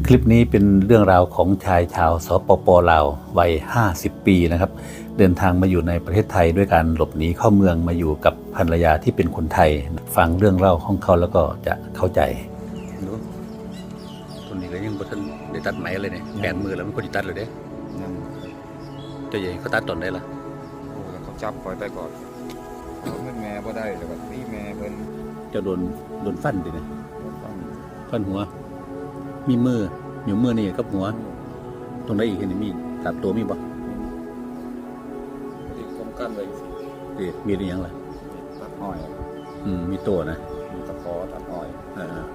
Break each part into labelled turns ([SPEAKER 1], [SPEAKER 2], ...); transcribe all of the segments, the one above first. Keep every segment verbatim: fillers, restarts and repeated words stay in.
[SPEAKER 1] คลิปนี้เป็นเรื่องราวของชายชาวสปป.ลาววัยห้าสิบปีนะครับเดินทางมาอยู่ในประเทศไทยด้วยการหลบหนีเข้าเมืองมาอยู่กับภรรยาที่เป็นคนไทยฟังเรื่องเล่าของเขาแล้วก็จะเข้าใจดูตัวนี้ก็ยังบ่ทันได้ตัดไหมเลยเนี่ยแปดมือแล้วมันคนตัดเลยเด้ตัวใหญ่เขาตัดตอนได้ล่ะ
[SPEAKER 2] โอ้เขาจับปล่อยไปก่อนเขาไม่แม่บ่ได้แต่ว่าพี่แม่เพิ่น
[SPEAKER 1] จะโดนโดนฟันดิเนี่ย
[SPEAKER 2] ฟัน
[SPEAKER 1] ฟันหัวมีมืออยู่มือนี่กับหัวตรงไหนอีกนี่มีตัดตัวมีบ่
[SPEAKER 2] ติดป้องกันไว้
[SPEAKER 1] เด็ดมีอะไรอย่างไร
[SPEAKER 2] ตัดอ้อย
[SPEAKER 1] อืมมีตัวนะ
[SPEAKER 2] มีตะขอตัดอ้อย
[SPEAKER 1] อ่า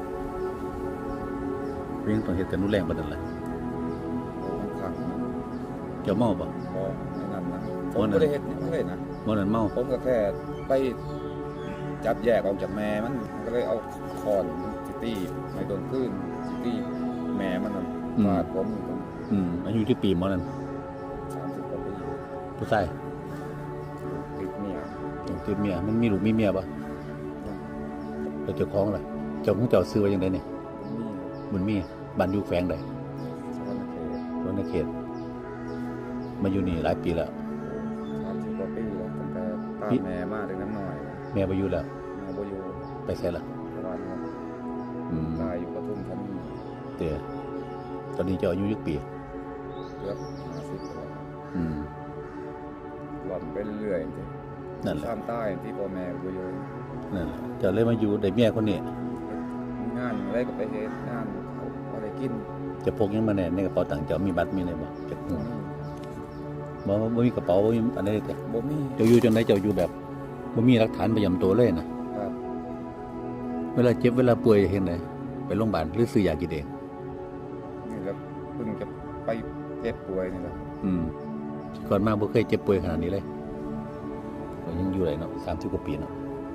[SPEAKER 1] เรื่องต้องเหตุการณ์รุนแรงประเด็นอะไร
[SPEAKER 2] โอ้มันขัง
[SPEAKER 1] เจ้าเมาบ่
[SPEAKER 2] พอนั่นนะผมไม่ได้เห็นนี่เลยนะ
[SPEAKER 1] เมานั่นเมา
[SPEAKER 2] ผมก็แค่ไปจับแยกออกจากแม่มันก็เลยเอาคอนซิตี้ในโดนคลื่นซิตี้แม่มันฟาดผมอยู่ตรง
[SPEAKER 1] อืมอายุที่ปีเมานั่น
[SPEAKER 2] สามสิบกว่าปี
[SPEAKER 1] ผู้ชาย
[SPEAKER 2] ติดเมีย
[SPEAKER 1] ติดเมียมันมีลูกมีเมียป่ะแล้วเจ้าของล่ะเจ้าของเจ้าซื้อไว้ยังไงเนี่ยมันมีบ้านอยู่แฝงใดสวรรณเขตมาอยู่นี่หลายปีแล้ว
[SPEAKER 2] สามสิบกว่าปีแล้วตั้งแต่ตามแม่มาถึงน้ำหน่อย
[SPEAKER 1] แม่ไปอยู่แล้ว
[SPEAKER 2] แม่ไปอยู่
[SPEAKER 1] ไปเสร็จแล้ว
[SPEAKER 2] ตายอยู่ปทุมธานี
[SPEAKER 1] เดี๋ยวตอนนี้เจ้าอายุยี่ปี
[SPEAKER 2] เกือบห้าสิบแล้ว
[SPEAKER 1] อืม
[SPEAKER 2] หล่อนไปเรื่อยจริง
[SPEAKER 1] นั่นแหละ
[SPEAKER 2] ข้ามใต้ที่พ่อแม่ไปอยู่
[SPEAKER 1] นั่นแหละเจ้าเลยมาอยู่ได้เมียคนนี้
[SPEAKER 2] งานอะไรก็ไปเฮ็ดงานอะไรกิน
[SPEAKER 1] จะพกยังมาแน่ในกระเป๋าตังค์เจ้ามีบัตรมีอะไรบ่จะบ่บ่มีกระเป๋าบ่มีอันใดแต่
[SPEAKER 2] บ่มี
[SPEAKER 1] เจ้าอยู่จังได๋เจ้าอยู่แบบบ่มีหลักฐานประจำตัวเลยนะครับเวลาเจ็บเวลาป่วยเฮ็ดไดไปโรงพยาบาลหรือซื้อยากินเอง
[SPEAKER 2] นี่แล้วเพิ่งจะไปเจ็บป่วยนี่แหละ
[SPEAKER 1] อืมก่อนมาบ่เคยเจ็บป่วยขนาดนี้เลยก็ยังอยู่ได้เนาะสามสิบกว่าปีเนาะ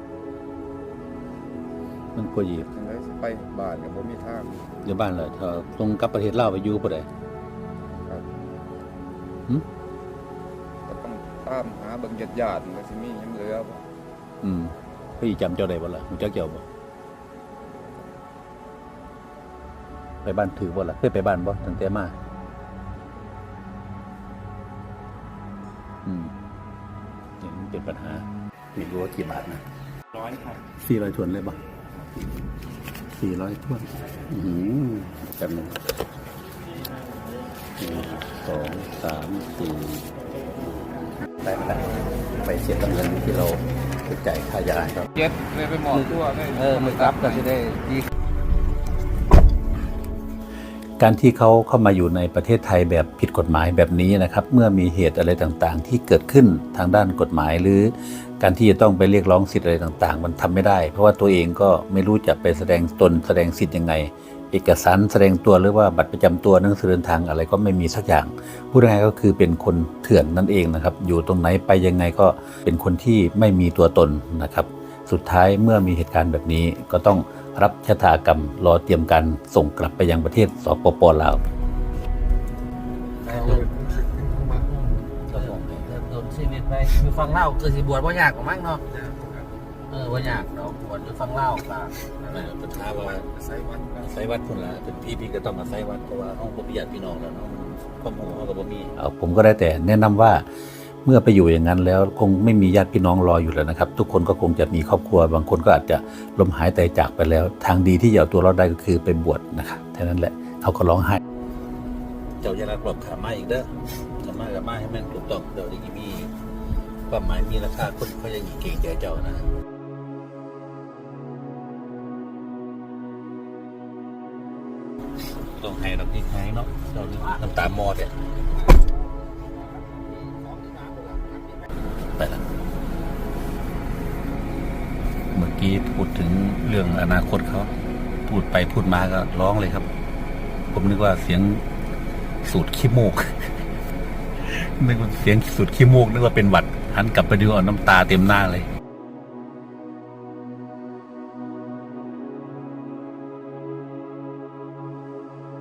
[SPEAKER 1] มันกว่ายี
[SPEAKER 2] จังได๋ไปบ้านก็บ่มีทาง
[SPEAKER 1] อยู่บ้านแล้วถ้าตรงกลับประเทศลาวไปอยู่บ่ได้
[SPEAKER 2] ครับ
[SPEAKER 1] หึ
[SPEAKER 2] ก็ต้องตามหาเบิ่งญาติๆมันก็สิมียังเหลือบ่
[SPEAKER 1] อืมพี่จำเจ้าได้บ่ล่ะรู้จักเจ้าบ่ไปบ้านถือบ่ล่ะเคยไปบ้านบ่ตั้งแต่มาอืมนี่มันเป็นปัญหาไม่รู้ว่ากี่บาทนะ
[SPEAKER 2] ร้อยครับ
[SPEAKER 1] สี่ร้อยถ้วนเลยบ่สี่ร้อยถ้วนอือกันหนึ่งสองสามสี่ได้มาแล้วไปเสียเงินที่เราจ่ายค่ายาครับ
[SPEAKER 2] เจ็ดเลยไปหมอตัวได้
[SPEAKER 1] เออมือกลับก็จะได้ดีการที่เขาเข้ามาอยู่ในประเทศไทยแบบผิดกฎหมายแบบนี้นะครับเมื่อมีเหตุอะไรต่างๆที่เกิดขึ้นทางด้านกฎหมายหรือการที่จะต้องไปเรียกร้องสิทธิ์อะไรต่างๆมันทำไม่ได้เพราะว่าตัวเองก็ไม่รู้จะไปแสดงตนแสดงสิทธิ์ยังไงเอกสารแสดงตัวหรือว่าบัตรประจำตัวหนังสือเดินทางอะไรก็ไม่มีสักอย่างพูดง่ายๆก็คือเป็นคนเถื่อนนั่นเองนะครับอยู่ตรงไหนไปยังไงก็เป็นคนที่ไม่มีตัวตนนะครับสุดท้ายเมื่อมีเหตุการณ์แบบนี้ก็ต้องรับชะตากรรมรอเตรียมการส่งกลับไปยังประเทศสปป.ลาว
[SPEAKER 3] โดนชีวิตไปอยู่ฟังเล่าเกิดสิบวชว่ายากกว่ามั้งเนาะเออว่ายากเนาะบวชอยู่ฟังเล่าป่ะ
[SPEAKER 1] ปัญหาว่าไซวัดไซวัดคนละเป็นพี่พี่ก็ต้องมาไซวัดเพราะว่าห้องบ่มีญาติพี่น้องแล้วเนาะความหูเขาก็บ่มีเอาผมก็ได้แต่แนะนำว่าเมื่อไปอยู่อย่างนั้นแล้วคงไม่มีญาติพี่น้องรออยู่แล้วนะครับทุกคนก็คงจะมีครอบครัวบางคนก็อาจจะล้มหายตายจากไปแล้วทางดีที่จะเอาตัวรอดได้ก็คือไปบวชนะครับแค่นั้นแหละเขาก็ร้องไห้เจ้าจะรักหลบขามาอีกเด้อขามากับมาให้แม่นถูกต้องเดี๋ยวจะมีความหมายมีราคาคนเขาจะหยีเก่งใจเจ้านะต้องให้เราที่แห้งเนาะเราน้ำตาหมอดเนี่ยไปละเมื่อกี้พูดถึงเรื่องอนาคตเขาพูดไปพูดมาก็ร้องเลยครับผมนึกว่าเสียงสูดขี้มูกนึกว่าเสียงสูดขี้มูกนึกว่าเป็นหวัดหันกลับไปดูเอาน้ำตาเต็มหน้าเลย